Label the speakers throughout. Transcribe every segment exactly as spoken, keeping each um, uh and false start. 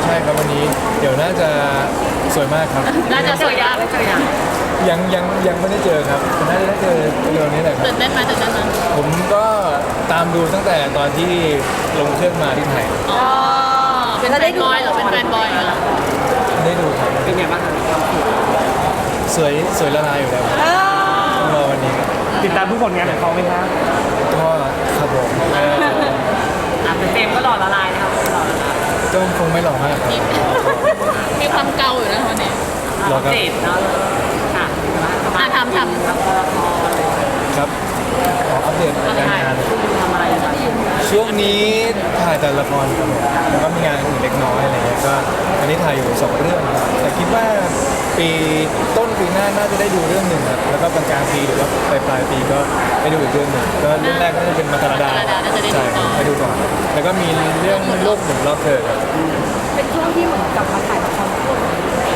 Speaker 1: ใช่ครับวันนี้เดี๋ยวน่าจะสวยมากครับ
Speaker 2: น่าจะสวยยากเลยจ้ะ
Speaker 1: ยังยังยังไม่ได้เจอครับน่าจะได้เจอเร็วนี้แหละครับ
Speaker 2: ตื่นเต้นไหมตื่นเต้นไหม
Speaker 1: ผมก็ตามดูตั้งแต่ตอนที่ลงเครื่องมาที่ไทย
Speaker 2: อ๋อเป็นแฟนบอยเหรอเป็นแฟนบอยเหรอ
Speaker 1: ได้ดูครับ
Speaker 3: เป็นไงบ้างคะ
Speaker 1: สวยสวยละลายอยู่แล้วครับรอวันนี้ครับ
Speaker 3: ติดตามทุกผลงานของเขาไหมคะ
Speaker 1: ก็ครับผมเออ
Speaker 3: อ่ะแต่เจมส์ก็หล่อละลายนะครับหล่อละลาย
Speaker 1: ก็คงไม่หล่อมากครับ
Speaker 2: มีมีความเกาอยู่นะวันนี้
Speaker 1: หล่อครับ
Speaker 3: เจดเนาะค่ะ
Speaker 2: อ่ะทำทำ
Speaker 3: ละคร
Speaker 1: ครับขออัปเดตการงาน
Speaker 3: ทำอะไรอยู่บ้าง
Speaker 1: ช่วงนี้ถ่ายแต่ละครครับผมแล้วก็มีงานอื่นเล็กน้อยอะไรเงี้ยก็อันนี้ถ่ายอยู่สองเรื่องครับแต่คิดว่าปีต้นปีหน้าน่าจะได้ดูเรื่องหนึ่งครับแล้วก็กลางกลางปีหรือว่าปลายปลายปีก็ได้ดูอีกเรื่องหนึ่งก็เรื่องแรกก็จะเป็นมัตตาดาใช่ไปดูก่อนแล้วก็มีเรื่องโลกหมุนรอบเธอครับ
Speaker 4: เป็นช่วงที่เหมือนกลับมาถ่ายละครคู่กัน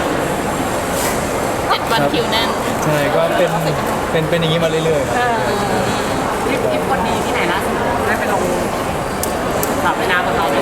Speaker 2: เจ็ดวันคิวแน่น
Speaker 1: ใช่ก็เป็นเป็นเป็นอย่างนี้มาเรื่อยๆครับ
Speaker 3: ทริปทริปวันนี้ที่ไหนล่ะได้ไปลงสระว่ายน้ำกับเราเนี่ย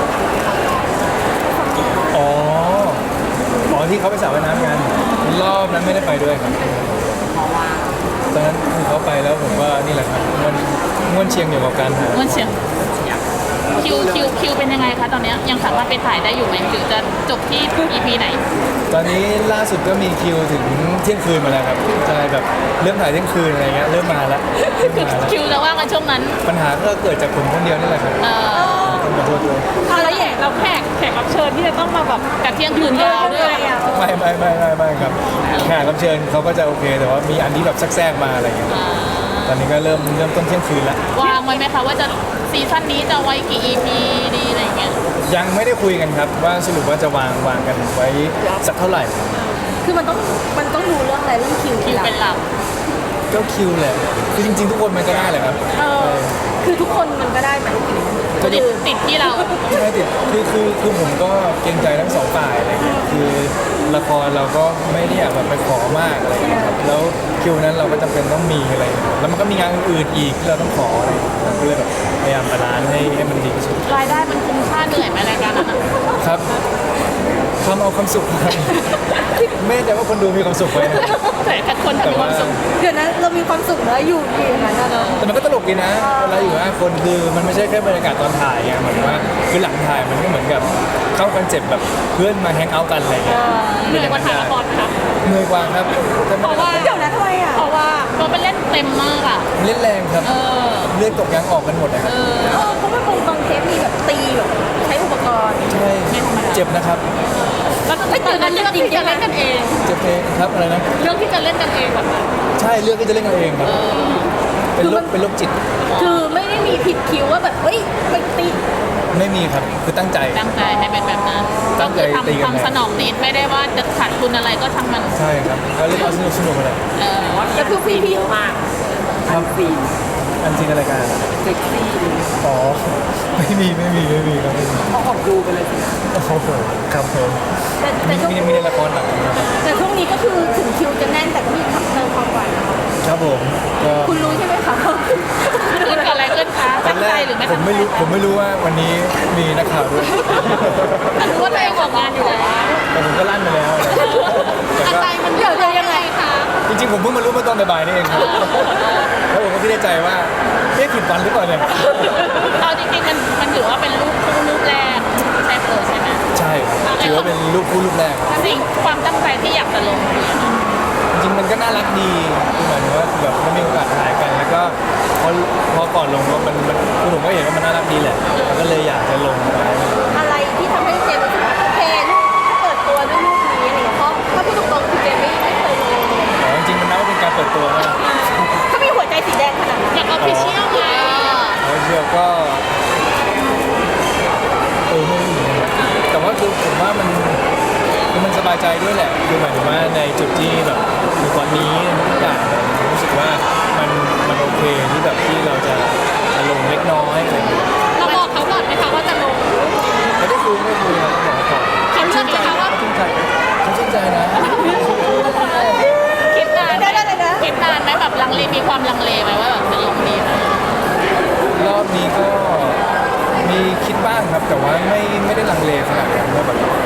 Speaker 1: อ๋ออ๋อที่เขาไปสระว่ายน้ำกันรอบนั้นไม่ได้ไปด้วยครับ
Speaker 3: เพราะว่า
Speaker 1: ตอนนั้นคือเขาไปแล้วผมว่านี่แหละครับมันง่วนเชียงอยู่กับการหา
Speaker 2: มันเชียง
Speaker 3: อยาก
Speaker 2: คิวคิวคิวเป็นยังไงคะตอนเนี้ยยังสามารถไปถ่ายได้อยู่ไหมหรือจะจบที่ อี พี ไหน
Speaker 1: ตอนนี้ล่าสุดก็มีคิวถึงเที่ยงคืนมาแล้วครับใช่แบบเริ่มถ่ายเที่ยงคืนอะไรเงี้ยเริ่มมาแล้วเริ่ม
Speaker 2: คือ
Speaker 1: มาแล้ว
Speaker 2: คิวจะว่างกันช่วงนั้น
Speaker 1: ปัญหาก็เกิดจากผมคนเดียวนี่แหละครับ
Speaker 2: เอ่อ
Speaker 1: ต้องขอโทษด้วย
Speaker 2: เอาแล้วอย่างเราแขกแขกรับเชิญที่จะต้องมาแบบกับเที่ยงคืนยาวด้วย
Speaker 1: ไม่ไม่ไม่ไม่ไม่ครับแขกรับเชิญเขาก็จะโอเค แต่ว่ามีอันที่แบบแทรกๆมาอะไรเงี้ย
Speaker 2: อ่า
Speaker 1: ตอนนี้ก็เริ่มเริ่มต้นเที่ยงคืนแล้ว
Speaker 2: วางไว้ไหมคะว่าจะซีซั่นนี้จะไว้กี่ อี พี ดีอะไรอย่างเงี้ย
Speaker 1: ยังไม่ได้คุยกันครับว่าสรุปว่าจะวางวางกันไว้สักเท่าไหร่
Speaker 4: คือมันต้องมันต้องดูเรื่องอะไรเรื่องคิว
Speaker 2: คิวเป็นหลัก
Speaker 1: ก็คิวแหละคือจริงๆ ทุกคนมันก็ได้แหละครับ
Speaker 4: เออคือทุกคนมันก็ได้ไหม
Speaker 1: ก็
Speaker 2: ติดติดที่เรา
Speaker 1: ไม่ติดคือคือคือผมก็เกรงใจทั้งสองฝ่ายอะไรเงี้ยคือละครเราก็ไม่ได้อยากแบบไปขอมากอะไรเงี้ยครับแล้วคิวนั้นเราก็จำเป็นต้องมีอะไรเงี้ยแล้วมันก็มีงานอื่นๆอีกที่เราต้องขออะไรเงี้ยเราก็เลยแบบพยายามบาลานซ์ให้ให้มันดีที่สุด
Speaker 2: รายได้มันคุ้มค่าเหนื่อยไหมรายการนั้นอะ
Speaker 1: ครับทำเอาความสุขครับไม่แน่ใจว่าคนดูมีความสุขไหมนะ
Speaker 2: แต่ถ้าคนทำมีความสุข
Speaker 4: เดี๋ยวนั้นเรามีความสุขแล้วอยู่ดีอย่างนั้นนะเนอะ
Speaker 1: แต่มันก็ตลกดีนะเวลาอยู่ห้าคนคือมันไม่ใช่แค่บรรยากาศตอนถ่ายไงเหมือนว่าคือหลังถ่ายมันก็เหมือนกับเข้าคอนเซ็ปต์แบบเพื่อนมาแฮงเอาท์กันอะไรเงี้ย
Speaker 2: เหนื่อยกว่าถ่ายละครนะคะ
Speaker 1: เหนื่อยกว่าครับแต่
Speaker 2: เพ
Speaker 1: มัน
Speaker 2: ราะว่า
Speaker 4: เดี๋ยวนะทำไมอ่ะ
Speaker 2: เพราะว่าเราไปเล่นเต็มมากอ่ะ
Speaker 1: เล่นแรงครับ
Speaker 2: เออ
Speaker 1: เลือดตกยางออกกันหมดนะครับ
Speaker 2: เออ
Speaker 4: เออเพราะว่าบางบางเทปมีแบบตีแบบใช้อุปกรณ์
Speaker 1: ใช่เจ็บนะครับ
Speaker 2: แล้วตอนนั้นเลือกที่จะเล่นกันเอง
Speaker 1: เจ็บเองครับอะไรนะ
Speaker 2: เลือกที่จะเล่นกันเองแบบนั้น
Speaker 1: ใช่เลือกที่จะเล่นกันเองครับเป็นโรคเป็นโรคจิต
Speaker 4: คือไม่ได้มีผิดคิวว่าแบบเฮ้ยไปตี
Speaker 1: ไม่มีครับคือตั้งใจ
Speaker 2: ตั้งใจให้เป็นแบบนั้น
Speaker 1: ตั้
Speaker 2: ก็
Speaker 1: งใจ
Speaker 2: คือ
Speaker 1: ตีกัน
Speaker 2: ทำทำสนองนิดไม่ได้ว่าจะขาดทุนอะไรก็ช่างมัน
Speaker 1: ใช่ครับก็เล่นเอาสนุกสนุกอะไร
Speaker 2: เออ
Speaker 3: ว่าแต่คือฟีเยอะมาก
Speaker 1: ครับ
Speaker 3: ฟี
Speaker 1: อันจริงอะไรายกัน
Speaker 3: เซ็กซี่
Speaker 1: อ๋อไม่มีไม่มีไม่มีครับไม่มี
Speaker 3: เขาออกดูไปเลยสิ
Speaker 1: โอ้โหครับผม
Speaker 4: แต่แต่
Speaker 1: มี
Speaker 4: ช่วง
Speaker 1: มีมีในละครหนังนะครับ
Speaker 4: แต่ช่วงนี้ก็คือถึงคิวจะแน่นแต่ก็มีขับเติมความหวานนะคะ
Speaker 1: ครับผมก็
Speaker 4: คุณรู้ใช่ไหมคะ
Speaker 2: คือเกิดอะไรขึ้นคะ
Speaker 1: ตอ
Speaker 2: ตั้
Speaker 1: น
Speaker 2: ง
Speaker 1: แร
Speaker 2: ใจ
Speaker 1: ก
Speaker 2: หรือไม่
Speaker 1: ผ
Speaker 2: ตั้
Speaker 1: ม
Speaker 2: ง
Speaker 1: ไม่
Speaker 2: ใจ
Speaker 1: รู้ผมไม่รู้ว่าวันนี้มีนักข่าวด้วย
Speaker 2: รู้ว่าตัวเองออกงานอยู่แล้ว
Speaker 1: แต่ผมก็ลั่นไปแล้วอะไรแต่
Speaker 2: ตั้ง
Speaker 1: ก็
Speaker 2: ใจมันเดี๋ยวจะยังไงคะ
Speaker 1: จริงๆผมเพิ่งมารู้เมื่อตอนบ่ายๆนี่เองครับแล้วผมก็คิดในใจว่าเอ๊ะผิดวันหรือเปล่าเนี่ย
Speaker 2: เอาจริงๆมันมันถือว่าเป็นรูปคู่รูปแรกใช่เปิดใช่ไหม
Speaker 1: ใช่ถือว่าเป็นรูปคู่รูปแรก
Speaker 2: สิ่งความตั้งใจที่อยากจะลงคืออะไร
Speaker 1: จริงๆมันก็น่ารักดีคือหมายถึงว่าคือแบบได้มีโอกาสถ่ายกัน แล้วก็พอพอก่อนลงว่ามันมันคือผมก็เห็นว่ามันน่ารักดีแหละแล้วก็เลยอยากจะลงไป
Speaker 4: อะไรที่ทำให้เจมส์รู้สึกว่าโอเคลูกเปิดตัวด้วยลูกนี้อะไรอย่างเงี้ยเพราะถ้าพูดตรงๆคือเจมส์ไม่ไม่เคยเลย
Speaker 1: อ๋อจริงๆมันนับว่าเป็นการเปิดตัวนะ
Speaker 4: ถ้ามีหัวใจสีแดงขนาดนั้น
Speaker 2: อยากออฟฟิเชียลไง
Speaker 1: แล้วเชื่อก็เออไม่รู้เหมือนกันแต่ว่าคือผมว่ามันคือมันสบายใจด้วยแหละคือหมายถึงว่าในจุดที่แบบอยู่ตอนนี้ทุกอย่างเนี่ยผมรู้สึกว่ามันมันโอเคที่แบบที่เราจะจะลงเล็กน้อยอะไรอย่างเงี้ย
Speaker 2: เราบอกเขาก่อนไหมคะว่าจะลง
Speaker 1: ไม่ได้คุยไม่ได้คุยครับบอกก่อน
Speaker 2: เขาเลือกไหมคะว่า
Speaker 1: เขาชื่นใจเขาชื่นใจนะ
Speaker 2: คิดนานไหม
Speaker 4: เดี๋ยวเดี๋ยวเดี๋ยว
Speaker 2: คิดนานไหมแบบลังเลมีความลังเลไหมว่าแบบจะลงดีไหม
Speaker 1: รอบนี้ก็มีคิดบ้างครับแต่ว่าไม่ไม่ได้ลังเลขนาดนั้นว่าแบบ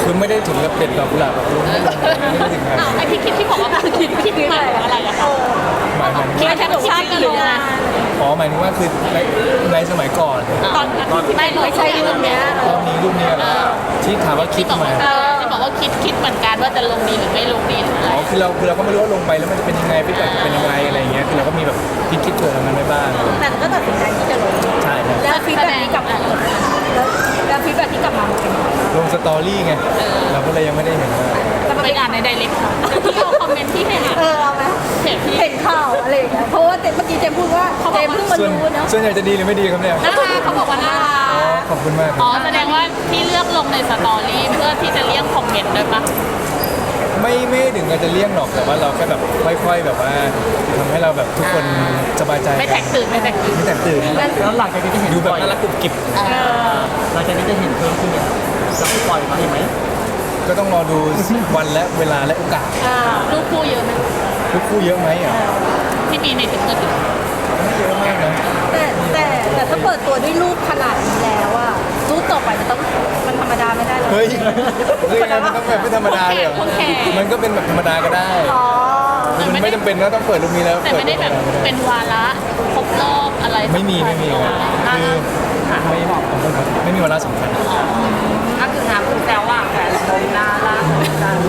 Speaker 1: คือไม่ได้ถึงกับเด็ดดอกกุหลาบแบบลุ้นไม่ลงไม่ได้ถึงขนาด
Speaker 2: อ้าว
Speaker 1: นั้น
Speaker 2: ไอที่คิดที่บอกว่าคิดคิดหมายถึงอะไรอะคะ
Speaker 1: หมายหมายถึง
Speaker 2: คิด
Speaker 1: ว่า
Speaker 2: แค่แบบชาติหรือยังไง
Speaker 1: อ๋อหมายถึงว่าคือในในสมัยก่อน
Speaker 2: ตอนไม่ไม่ใช่รูปเนี้ย
Speaker 1: รอบนี้รูปนี้อะไรที่ถามว่าคิ
Speaker 2: ที่
Speaker 1: ด
Speaker 2: บอก
Speaker 1: ไหม
Speaker 2: ว่าเออที่บอกว่าคิดคิดเหมือนกันว่าจะลงดีหรือไม่ลงดีหรืออะไร
Speaker 1: อ๋อคือเราคือเราก็ไม่รู้ว่าลงไปแล้วมันจะเป็นยังไงฟีดแบ็กจะเป็นยังไงอะไรอย่างเงี้ยคือเราก็มีแบบคิดคิดเผื่อทางนั้นไว้บ้าง
Speaker 4: แต่ก็ตัดสินใจที่จะลง
Speaker 1: ใช่ครับ
Speaker 4: แล้วฟีดแบ็กที่กลับมาแล้วแล้วฟีดแบ็กที่กลับมามันเป็นยังไง
Speaker 1: ลงสตอรี่ไงเราก็เลยยังไม่ได้เห็นว่า
Speaker 2: จะไปอ่านในไดเรกค่ะที่เอาคอมเมนต์ที่ให้อ่าน
Speaker 4: เออเอาไหม
Speaker 2: เพจพี่
Speaker 4: เห็นข่าวอะไรอย่างเงี้ยเพราะว่าเมื่อกี้เจมพูดว่าเจมเพิ่งมา
Speaker 1: ส่วน
Speaker 4: รู้เนาะ
Speaker 1: ส่วนใหญ่จะดีหรือไม่ดีครับเนี่ย
Speaker 2: น่ารักเขาบอกว่าน่ารั
Speaker 1: อ๋อก ขอบคุณมากค
Speaker 2: อ๋
Speaker 1: รั
Speaker 2: อบ แสดงว่าที่เลือกลงในสตอรี่เพื่อที่จะเลี่ยงคอมเมนต์ด้วยปะ
Speaker 1: ไม่ไม่ถึงกับจะเลี่ยงหรอกแต่ว่าเราแค่แบบค่อยๆแบบว่าทำให้เราแบบทุกคนสบายใจ
Speaker 2: ไม่แตกตื่นไม่แตกตื่น
Speaker 1: ไม่แตกตื่น
Speaker 3: แล้วหลังจากนี้จะเห็น
Speaker 1: ดูแบบ
Speaker 3: ปล่อย
Speaker 1: น่ารักกรุบกริบ
Speaker 3: หลังจากนี้จะเห็นเพิ่มขึ้นเนี่ยจะปล่อยมาเห็นไหม
Speaker 1: ก็ต้องรอดูวันและเวลาและโอกาส
Speaker 2: รูปคู่เยอะไหม
Speaker 1: ลูกคู่เยอะไหมอ่ะ
Speaker 2: ที่มีในถึงเกิด
Speaker 1: ไม่เยอะมากนะ
Speaker 4: แต่แต่แต่ถ้าเปิดตัวด้วยรูปขนาดนี้แล้วอะรูปต่อไปมันต้องมันธรรมดาไม่ได้เลย
Speaker 1: เฮ้ยเรื่องนั้นมันต้องแบบไม่ธรรมดาเลยเหรอมันก็เป็นแบบธรรมดาก็ได้
Speaker 4: อ๋อ
Speaker 1: มันไม่จำเป็นว่าต้องเปิดรูปนี้แล้ว
Speaker 2: แต่
Speaker 1: เปิด
Speaker 2: ไม่ได้แบบ
Speaker 1: รูปนั้น
Speaker 2: เป็นวาระครบรอบอะไร
Speaker 1: ไม่มีไม่มีครับคือไม่ขอบคุณครับไม่มีวาระสำคัญ
Speaker 3: ก็คือถามคุณแซวว่าแฟนผมน่ารักแฟน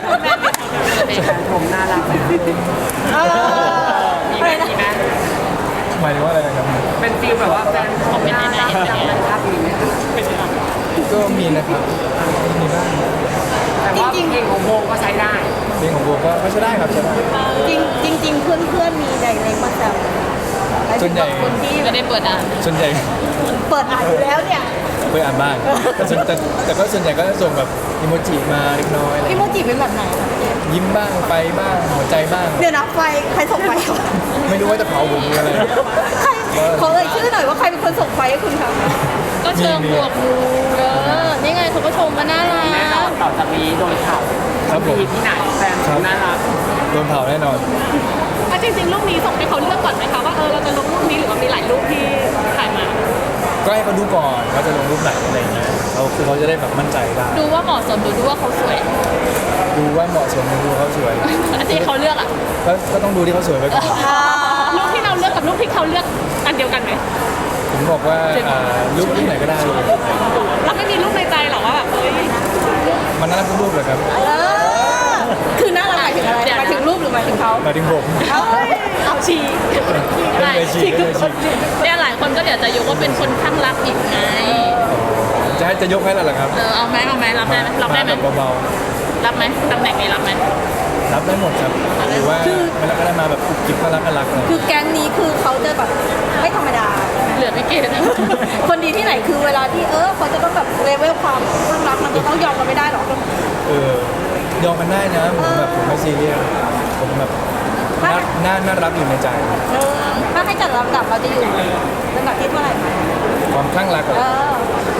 Speaker 3: ผมน่ารัก
Speaker 4: เออ
Speaker 3: มีไหมมีไหม
Speaker 1: หมายถึงว่าอะไรนะครับ
Speaker 3: เป็นฟีลแบบว่าแฟนผมน่ารักจังเลยครับมีไหมคะ
Speaker 1: ก็มีนะครับมีบ้าง
Speaker 3: แต่ว่าเพลงของโบก็ใช้ได้
Speaker 1: เพลงของโบก็ก็ใช้ได้ครับใช้ได้
Speaker 4: จริงจริงจริงเพื่อนเพื่อนๆมีไดเรกมาแซว
Speaker 1: ส่วนใหญ่
Speaker 4: คนที่
Speaker 2: ไม่ได้เปิดอ่าน
Speaker 1: ส่วนใหญ่
Speaker 4: เปิดอ่านอยู่แล้วเนี่ย
Speaker 1: เคยอ่านบ้างแต่ส่วนแต่แต่ก็ส่วนใหญ่ก็จะส่งแบบอิโมจิมาเล็กน้อยอะไร
Speaker 4: พี่โมจิเป็นแบบไหนคะ
Speaker 1: ยิ้มบ้างไฟบ้างหัวใจบ้าง
Speaker 4: เดี๋ยวนะไฟใครส่งไฟวะ
Speaker 1: ไม่รู้ว่าจะเผาผมหรืออะไร
Speaker 4: ใครขอเอ่ยชื่อหน่อยว่าใครเป็นคนส่งไฟให้คุณคะ
Speaker 2: ก็เชิงบวกดูเออนี่ไงเขาก็ชมมาน่ารั
Speaker 3: แน่นอน
Speaker 2: ก
Speaker 3: ต่อจากนี้โดนเผา
Speaker 1: ครับผม
Speaker 3: มีที่ไหนแฟนผมน่ารัก
Speaker 1: โดนเผาแน่นอน
Speaker 2: อ่ะจริงๆรูปนี้ส่งให้เขาเลือกก่อนไหมคะว่าเออเราจะลงรูปนี้หรือว่ามีหลายรูปที่ถ่ายมา
Speaker 1: ก็ให้เขาดูก่อนว่าจะลงรูปไหนอะไรอย่างเงี้ยเขาคือเขาจะได้แบบมั่นใจได้
Speaker 2: ดูว่าเหมาะสมหรือดูว่าเขาสวย
Speaker 1: ดูว่าเหมาะสมดูเขาสวย
Speaker 2: อันที่เขาเลือกอ่ะ
Speaker 1: ก็ก็ต้องดูที่เขาสวยไปก่อน
Speaker 2: รูปที่เราเลือกกับรูปที่เขาเลือกอันเดียวกันไหม
Speaker 1: ผมบอกว่าอ่ารูปที่ไหนก็ได้เลย
Speaker 2: เราไม่มีรูปในใจหรอว่าแบบเฮ้ย
Speaker 1: มันน่ารักทุกรูปเลยครับ
Speaker 4: เออคือน่ารักหมายถึงอะไรหมายถึงรูปหรือหมายถึงเขา
Speaker 1: หมายถึงผม
Speaker 4: เอ้ย
Speaker 2: เอาชี
Speaker 1: ไม่เคยฉีกไม่เคยฉีก
Speaker 2: เนี่ยหลายคนก็เดี๋ยวจะยกว่าเป็นคนข้างรักอีกไง
Speaker 1: จะให้จะยกให้แล้วเหรอครับ
Speaker 2: เออเอาไหมเอาไหมรับได้ไหมรับได้ไหม
Speaker 1: าแบบเบา
Speaker 2: รับไหมตำแหน่งนี้รับไหม
Speaker 1: ๆรับได้หมดครับหรือว่าไม่รักก็ได้มาแบบกุบกิบน่ารักน่ารักอะไร
Speaker 4: คือแก๊งนี้คือเขาจะแบบไม่ธรรมดา
Speaker 2: เหลือไม่เกตนะ
Speaker 4: คนดีที่ไหนคือเวลาที่เออเขาจะต้องแบบเลเวลความความรักมันจะต้องยอมกันไม่ได้หรอก
Speaker 1: เออยอมกันได้นะผมแบบผมไม่ซีเรียสผมแบบน่าน่าน่ารักอยู่ในใจ
Speaker 4: เออถ้าให้จัดลำดับเราจะอยู่ลำดับที่เท่าไหร่คะ
Speaker 1: ความคลั่งรักอะ
Speaker 4: เออ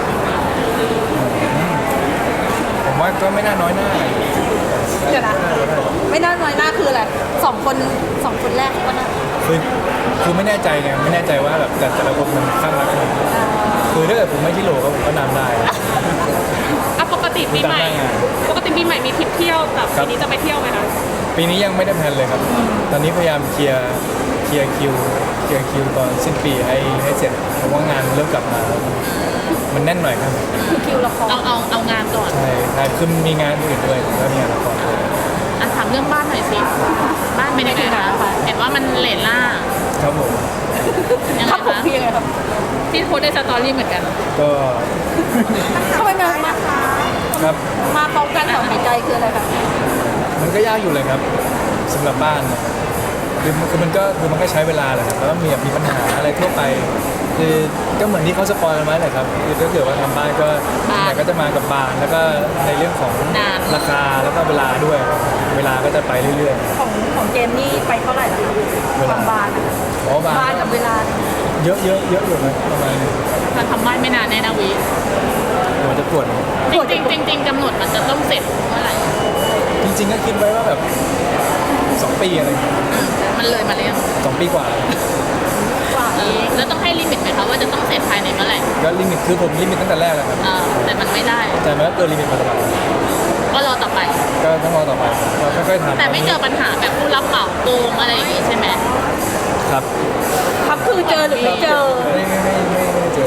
Speaker 1: ผมว่าก็ไม่น่าน้อยหน้า
Speaker 4: เดี๋ยวนะไม่น่าน้อยหน้าคืออะไรสองคนสองคนแรกก็น่า
Speaker 1: คือคือไม่แน่ใจไงไม่แน่ใจว่าแบบแต่แต่ละคนมันคลั่งรักขนาดไหนคือถ้าเกิดผมไม่ที่โหลก็ผมก็นำได้
Speaker 2: อ่ะปกติปีใหม่ ปกติปีใหม่มีทริปเที่ยวแบบปีนี้จะไปเที่ยวไหมคะ
Speaker 1: ปีนี้ยังไม่ได้แพลนเลยครับ ตอนนี้พยายามเคลียร์เคลียร์คิวเคลียร์คิวตอนสิ้นปีให้ให้เสร็จเพราะว่างานเริ่มกลับมาแล้วมันแน่นหน่อยครับ
Speaker 4: คือคิวละคร
Speaker 2: เอาเอาเอางานก่อน
Speaker 1: ใช่ใช่คือมีงานอื่นด้วยผมก็มีงานละครด้วย
Speaker 2: อ่ะถามเรื่องบ้านหน่อยสิ บ้านเป็นยังไงคะเห็นว่ามันเลนล่า
Speaker 1: ครับผม
Speaker 2: ยังไง
Speaker 4: ครับผม
Speaker 2: คะ
Speaker 4: เพียงไงครับ
Speaker 2: ที่โพสต์ในสตอรี่เหมือนกัน
Speaker 1: ก็
Speaker 4: ทำไมมามา
Speaker 1: ครับ
Speaker 4: มาพร้อมกันสองหายใจคืออะไรคะ
Speaker 1: มันก็ยากอยู่เลยครับสำหรับบ้านนะคือคือมันก็คือมันก็ใช้เวลาแหละครับแล้วก็มีแบบมีปัญหาอะไรทั่วไป คือก็เหมือนที่เขาสปอยล์กันไว้แหละครับคือถ้าเกิดว่าทำบ้านก็ไหนก็จะมากับบานแล้วก็ในเรื่องของราคาแล้วก็เวลาด้วย เวลาก็จะไปเรื่อย
Speaker 4: ของของเจมนี่ไปเท่าไหร่ละความบานอะ
Speaker 1: ๆอ๋อบาน
Speaker 4: บานกับเวลา
Speaker 1: เยอะเยอะเยอะอยู่นะประมาณ
Speaker 2: การทำบ้านไม่นานแน่นะวิ
Speaker 1: เดี๋ยวมันจะปวด
Speaker 2: จริงจริงๆจริงๆกำหนดมันจะต้องเสร็จเมื่อไหร่
Speaker 1: จริงๆก็คิดไว้ว่าแบบสองปีอะไรอย่างเงี้ย
Speaker 2: อืมมันเลยมาแล้ว
Speaker 1: สองปีกว่า
Speaker 4: กว่าเอง
Speaker 2: แล้วต้องให้ลิมิตไหมคะว่าจะต้องเสร็จภายในเมื่อไหร่
Speaker 1: ก็ลิมิตคือผมลิมิตตั้งแต่แรกแล้วครับ
Speaker 2: เออแต่มันไม่ได้
Speaker 1: แต่มันก็เกินลิมิตมาตลอด
Speaker 2: ก็รอต่อไป
Speaker 1: ก็ต้องรอต่อไปก็ค่อยๆทำ
Speaker 2: แต่ไม่เจอปัญหาแบบผู้รับเหมาโกงอะไรอย่างงี้ใช่ไหม
Speaker 1: ครับ
Speaker 4: ครับคือเจอหรือไม่เจอ
Speaker 1: ไม่ไม่ไม่ไม่ไม่เจอ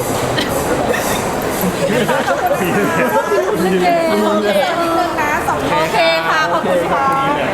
Speaker 4: โอเคโอเคนิดนึงนะสองโอเคค่ะขอบคุณค่ะ